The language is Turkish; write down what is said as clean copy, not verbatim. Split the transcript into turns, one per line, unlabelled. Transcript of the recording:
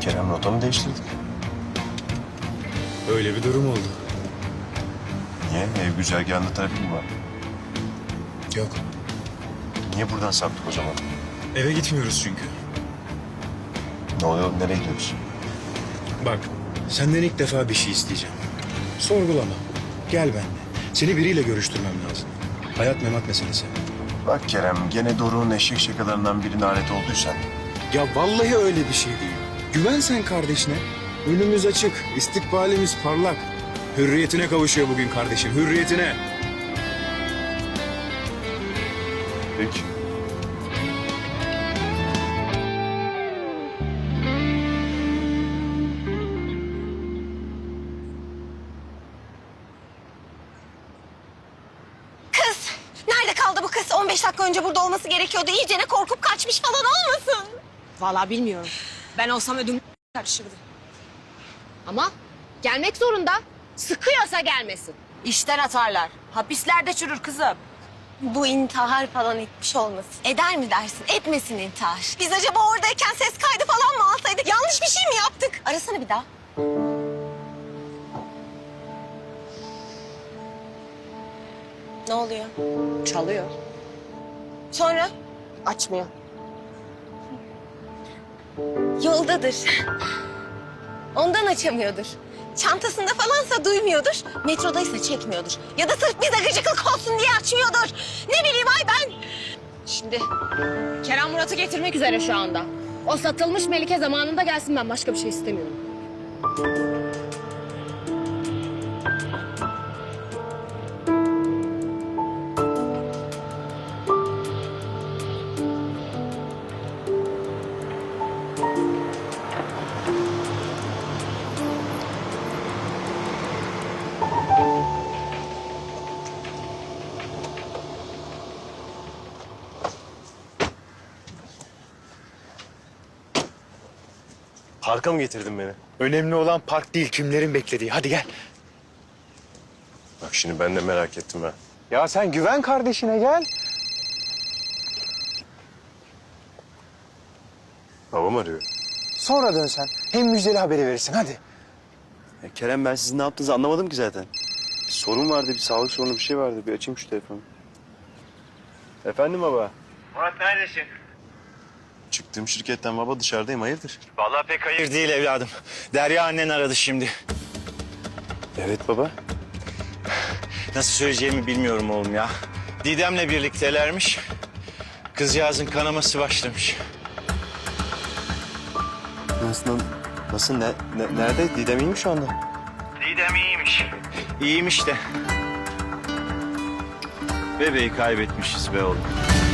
Kerem rota mı değiştirdik?
Öyle bir durum oldu.
Niye? Ev güzergahında trafik mi var?
Yok.
Niye buradan saptık o zaman?
Eve gitmiyoruz çünkü.
Ne oluyor? Nereye gidiyoruz?
Bak, senden ilk defa bir şey isteyeceğim. Sorgulama. Gel benimle. Seni biriyle görüştürmem lazım. Hayat memat meselesi.
Bak Kerem, gene Doruk'un eşek şakalarından birine alet olduysan...
Ya vallahi öyle bir şey değil. Güven sen kardeşine. Önümüz açık, istikbalimiz parlak. Hürriyetine kavuşuyor bugün kardeşim, hürriyetine.
Peki.
Kız! Nerede kaldı bu kız? 15 dakika önce burada olması gerekiyordu. İyicene korkup kaçmış falan olmasın?
Vallahi bilmiyorum. Ben olsam ödüm karışırdı. Ama gelmek zorunda. Sıkıyorsa gelmesin. İşten atarlar. Hapislerde çürür kızım.
Bu intihar falan etmiş olmasın. Eder mi dersin? Etmesin intihar. Biz acaba oradayken ses kaydı falan mı alsaydık? Yanlış bir şey mi yaptık? Arasana bir daha. Ne oluyor?
Çalıyor.
Sonra?
Açmıyor.
Yoldadır. Ondan açamıyordur. Çantasında falansa duymuyordur. Metrodaysa çekmiyordur. Ya da sırf bize gıcıklık olsun diye açmıyordur. Ne bileyim ay ben.
Şimdi Kerem Murat'ı getirmek üzere şu anda. O satılmış Melike zamanında gelsin, ben başka bir şey istemiyorum.
Parka mı getirdin beni?
Önemli olan park değil, kimlerin beklediği. Hadi gel.
Bak şimdi ben de merak ettim ha.
Ya sen güven kardeşine, gel.
Babam arıyor.
Sonra dön sen. Hem müjdeli haberi verirsin, hadi.
Ya Kerem, ben sizin ne yaptığınızı anlamadım ki zaten. Bir sorun vardı, bir sağlık sorunu bir şey vardı. Bir açayım şu telefonu. Efendim baba?
Murat neredesin?
Çıktığım şirketten baba, dışarıdayım, hayırdır?
Vallahi pek hayır değil evladım. Derya annen aradı şimdi.
Evet baba.
Nasıl söyleyeceğimi bilmiyorum oğlum ya. Didem'le birliktelermiş. Kızcağızın kanaması başlamış.
Nasıl, nerede? Didem iyi mi şu anda?
Didem iyiymiş. İyiymiş de. Bebeği kaybetmişiz be oğlum.